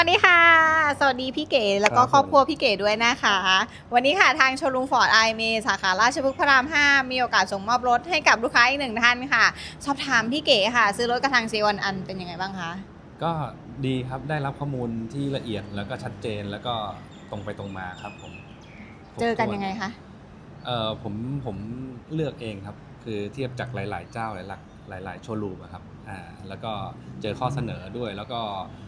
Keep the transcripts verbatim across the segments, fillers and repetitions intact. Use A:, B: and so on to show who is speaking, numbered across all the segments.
A: สวัสดีค่ะสวัสดีพี่เก๋แล้วก็ครอบครัวพี่เก๋ด้วยนะคะวันนี้ค่ะทางโชว์รูมฟอร์ดไอเมสาขาราชพฤกษ์พระรามห้ามีโอกาสส่งมอบรถให้กับลูกค้าอีกหนึ่งท่านค่ะสอบถามพี่เก๋ค่ะซื้อรถกระทางเซวันอันเป็นยังไงบ้างคะ
B: ก็ดีครับได้รับข้อมูลที่ละเอียดแล้วก็ชัดเจนแล้วก็ตรงไปตรงมาครับผม
A: เจอกันยังไงคะ
B: เออผมผมเลือกเองครับคือเทียบจากหลายๆเจ้าหลายๆหลายๆโชว์รูมครับอ่าแล้วก็เจอข้อเสนอด้วยแล้วก็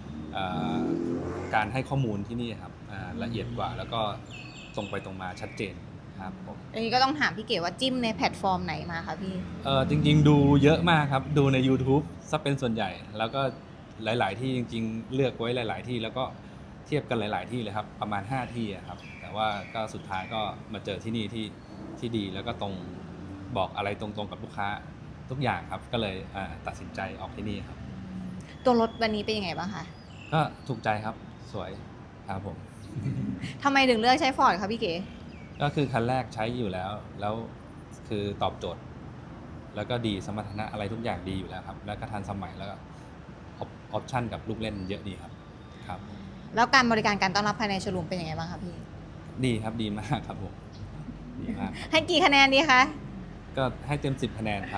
B: การให้ข้อมูลที่นี่ครับละเอียดกว่าแล้วก็ตรงไปตรงมาชัดเจนครับผม
A: อันนี้ก็ต้องถามพี่เก๋ว่าจิ้มในแพลตฟอร์มไหนมาคะพี่
B: เออจริงๆดูเยอะมากครับดูใน YouTube ซะเป็นส่วนใหญ่แล้วก็หลายๆที่จริงๆเลือกไว้หลายๆที่แล้วก็เทียบกันหลายๆที่เลยครับประมาณห้าที่ครับแต่ว่าก็สุดท้ายก็มาเจอที่นี่ที่ที่ดีแล้วก็ตรงบอกอะไรตรงๆกับลูกค้าทุกอย่างครับก็เลยตัดสินใจออกที่นี่ครับ
A: ตัวรถวันนี้เป็นยังไงบ้างคะ
B: ก็ถูกใจครับสวยครับผม
A: ทำไมถึงเลือกใช้ฟอร์ดคะพี่เก๋
B: ก็คือคันแรกใช้อยู่แล้วแล้วคือตอบโจทย์แล้วก็ดีสมรรถนะอะไรทุกอย่างดีอยู่แล้วครับแล้วก็ทันสมัยแล้วก็ออปชั่นกับลูกเล่นเยอะดีครับครับ
A: แล้วการบริการการต้อนรับภายในโชว์รูมเป็นยังไงบ้างคะพี่
B: ดีครับดีมากครับผมดีมาก
A: ให้กี่คะแนนดีคะ
B: ก็ให้เต็มสิบคะแนนครับ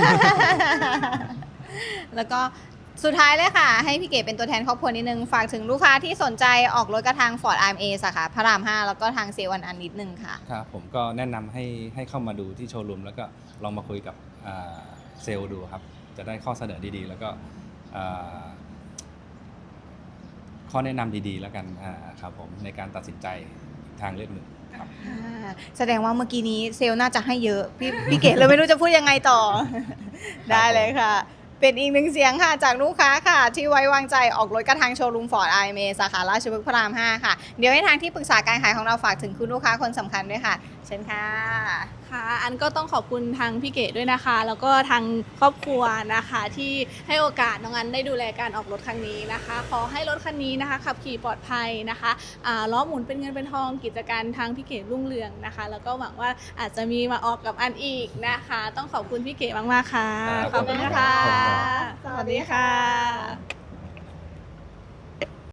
A: แล้วก็สุดท้ายเลยค่ะให้พี่เก๋เป็นตัวแทนครอบครัวนิดนึงฝากถึงลูกค้าที่สนใจออกรถกระทาง Ford อาร์ เอ็ม เอ สาขาพระรามห้าแล้วก็ทางเซวันอันนิดนึงค่ะ
B: ครับผมก็แนะนำให้ให้เข้ามาดูที่โชว์รูมแล้วก็ลองมาคุยกับเซลล์ดูครับจะได้ข้อเสนอดีๆแล้วก็ข้อแนะนำดีๆแล้วกันครับผมในการตัดสินใจทางเลือกหนึ่งครับ
A: แสดงว่าเมื่อกี้นี้เซลล์น่าจะให้เยอะพี่พี่เก๋เลยไม่รู้จะพูดยังไงต่อได้เลยค่ะเป็นอีกหนึ่งเสียงค่ะจากลูกค้าค่ะที่ไว้วางใจออกรถกระทางโชว์รูม Ford อาร์ เอ็ม เอ สาขาราชพฤกษ์พระรามห้าค่ะเดี๋ยวให้ทางที่ปรึกษาการขายของเราฝากถึงคุณลูกค้าคนสำคัญด้วยค่ะเชิญค่ะ
C: ค่ะอันก็ต้องขอบคุณทางพี่เก๋ด้วยนะคะแล้วก็ทางครอบครัวนะคะที่ให้โอกาสน้องอันได้ดูแลการออกรถครั้งนี้นะคะขอให้รถคันนี้นะคะขับขี่ปลอดภัยนะคะล้อหมุนเป็นเงินเป็นทองกิจการทางพี่เก๋รุ่งเรืองนะคะแล้วก็หวังว่าอาจจะมีมาออกกับอันอีกนะคะต้องขอบคุณพี่เก๋มากๆค่ะขอบคุณนะคะ
A: สวัสดีค่ะ